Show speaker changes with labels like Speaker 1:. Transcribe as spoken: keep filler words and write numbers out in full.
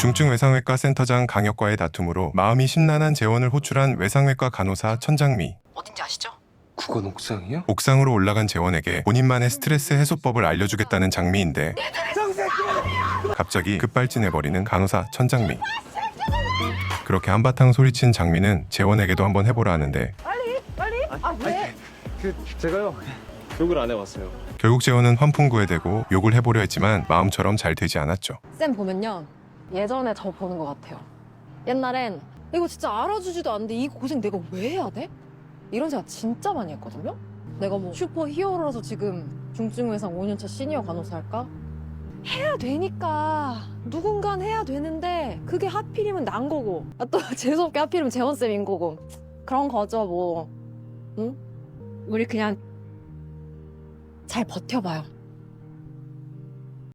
Speaker 1: 중증외상외과 센터장 강혁과의 다툼으로 마음이 심란한 재원을 호출한 외상외과 간호사 천장미.
Speaker 2: 어딘지 아시죠?
Speaker 3: 그건 옥상이요?
Speaker 1: 옥상으로 올라간 재원에게 본인만의 스트레스 해소법을 알려주겠다는 장미인데 갑자기 급발진해버리는 간호사 천장미. 그렇게 한바탕 소리친 장미는 재원에게도 한번 해보라 하는데
Speaker 4: 아 왜?
Speaker 3: 그 제가요 욕을 안 해봤어요.
Speaker 1: 결국 재원은 환풍구에 대고 욕을 해보려 했지만 마음처럼 잘 되지 않았죠.
Speaker 4: 쌤 보면요 예전에 저 보는 것 같아요. 옛날엔 이거 진짜 알아주지도 않는데 이 고생 내가 왜 해야 돼? 이런 생각 진짜 많이 했거든요. 내가 뭐 슈퍼 히어로라서 지금 중증외상 오 년차 시니어 간호사 할까? 해야 되니까 누군간 해야 되는데 그게 하필이면 난 거고 아, 또 재수없게 하필이면 재원쌤인 거고 그런 거죠 뭐. 응? 우리 그냥 잘 버텨봐요.